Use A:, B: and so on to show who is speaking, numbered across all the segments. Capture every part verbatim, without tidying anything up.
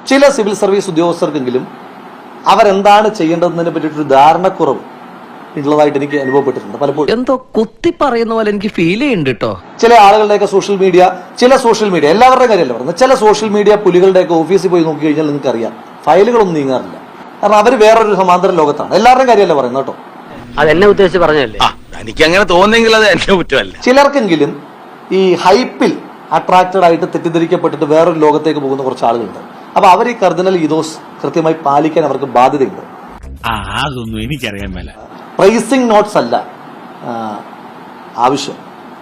A: ചില civil service ഉദ്യോഗസ്ഥർക്കെങ്കിലും അവരെന്താണ് ചെയ്യേണ്ടതിനെ പറ്റിയിട്ടൊരു ധാരണക്കുറവ് ഉള്ളതായിട്ട് എനിക്ക് അനുഭവപ്പെട്ടിട്ടുണ്ട് പലപ്പോഴും.
B: എന്തോ കുത്തി പറയുന്ന പോലെ എനിക്ക് ഫീൽ ചെയ്യുന്നുണ്ട് കേട്ടോ.
A: ചില ആളുകളുടെയൊക്കെ സോഷ്യൽ മീഡിയ ചില സോഷ്യൽ മീഡിയ എല്ലാവരുടെയും കാര്യമല്ല പറയുന്നത്, ചില സോഷ്യൽ മീഡിയ പുലികളുടെയൊക്കെ ഓഫീസിൽ പോയി നോക്കി കഴിഞ്ഞാൽ നിങ്ങൾക്ക് അറിയാം ഫയലുകളൊന്നും നീങ്ങാറില്ല. കാരണം അവർ വേറൊരു സമാന്തര ലോകത്താണ്. എല്ലാവരുടെയും കാര്യമല്ല പറയുന്നത് കേട്ടോ.
C: അതെന്നെ ഉദ്ദേശിച്ച് പറഞ്ഞല്ലേ.
D: എനിക്ക് അങ്ങനെ തോന്നുന്നെങ്കിൽ അത് എന്റെ കുറ്റമല്ല.
A: ചിലർക്കെങ്കിലും ഈ ഹൈപ്പിൽ അട്രാക്റ്റഡ് ആയിട്ട് തെറ്റിദ്ധരിക്കപ്പെട്ടിട്ട് വേറൊരു ലോകത്തേക്ക് പോകുന്ന കുറച്ച് ആളുകളുണ്ട്. അപ്പൊ അവർ ഈ കർദിനൽ ഈതോസ് കൃത്യമായി പാലിക്കാൻ അവർക്ക് ബാധ്യതയുണ്ട്.
D: അതൊന്നും എനിക്കറിയാൻ മേല.
A: പ്രൈസിംഗ് നോട്ട്സ് അല്ല ആവശ്യം,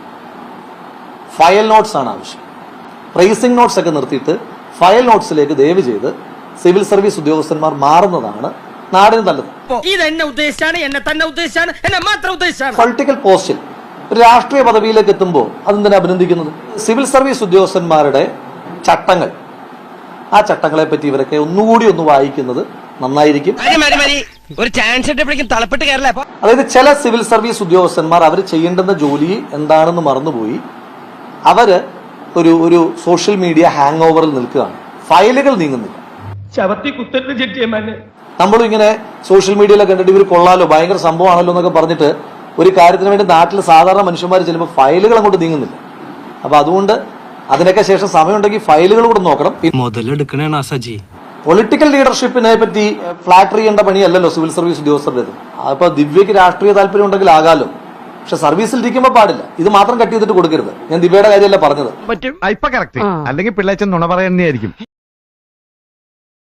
A: ഫയൽ നോട്ട്സ് ആണ് ആവശ്യം. പ്രൈസിംഗ് നോട്ട്സ് ഒക്കെ നിർത്തിയിട്ട് ഫയൽ നോട്ട്സിലേക്ക് ദയവ് ചെയ്ത് സിവിൽ സർവീസ് ഉദ്യോഗസ്ഥന്മാർ മാറുന്നതാണ് നാടിന് നല്ലത്. പൊളിറ്റിക്കൽ പോസ്റ്റിൽ ഒരു രാഷ്ട്രീയ പദവിയിലേക്ക് എത്തുമ്പോൾ അതെന്തിനാ അഭിനന്ദിക്കുന്നത്? സിവിൽ സർവീസ് ഉദ്യോഗസ്ഥന്മാരുടെ ചട്ടങ്ങൾ, ആ ചട്ടങ്ങളെ പറ്റി ഇവരൊക്കെ ഒന്നുകൂടി ഒന്ന് വായിക്കുന്നത് നന്നായിരിക്കും. അതായത് ചില സിവിൽ സർവീസ് ഉദ്യോഗസ്ഥന്മാർ അവർ ചെയ്യേണ്ടുന്ന ജോലി എന്താണെന്ന് മറന്നുപോയി അവര് ഒരു ഒരു സോഷ്യൽ മീഡിയ ഹാങ് ഓവറിൽ നിൽക്കുകയാണ്. ഫയലുകൾ നീങ്ങുന്നില്ല. നമ്മളും ഇങ്ങനെ സോഷ്യൽ മീഡിയയിലൊക്കെ കണ്ടിട്ട് ഇവർ കൊള്ളാലോ ഭയങ്കര സംഭവമാണല്ലോ എന്നൊക്കെ പറഞ്ഞിട്ട് ഒരു കാര്യത്തിന് വേണ്ടി നാട്ടിൽ സാധാരണ മനുഷ്യന്മാർ ചെല്ലുമ്പോൾ ഫയലുകൾ അങ്ങോട്ട് നീങ്ങുന്നില്ല. അപ്പൊ അതുകൊണ്ട് അതിനൊക്കെ ശേഷം സമയമുണ്ടെങ്കിൽ ഫയലുകൾ കൂടെ നോക്കണം.
B: മുതലെടുക്കണേ സജി.
A: പൊളിറ്റിക്കൽ ലീഡർഷിപ്പിനെ പറ്റി ഫ്ലാറ്റർ ചെയ്യേണ്ട പണിയല്ലല്ലോ സിവിൽ സർവീസ് ഉദ്യോഗസ്ഥരുടേത്. അപ്പൊ ദിവ്യക്ക് രാഷ്ട്രീയ താല്പര്യം ഉണ്ടെങ്കിൽ ആകാലോ, പക്ഷെ സർവീസിൽ ഇരിക്കുമ്പോൾ പാടില്ല. ഇത് മാത്രം കട്ട് ചെയ്തിട്ട് കൊടുക്കരുത്. ഞാൻ ദിവ്യയുടെ കാര്യമല്ല പറഞ്ഞത്.
E: അല്ലെങ്കിൽ പിള്ളേച്ചൻ നുണ പറയുന്നതായിരിക്കും.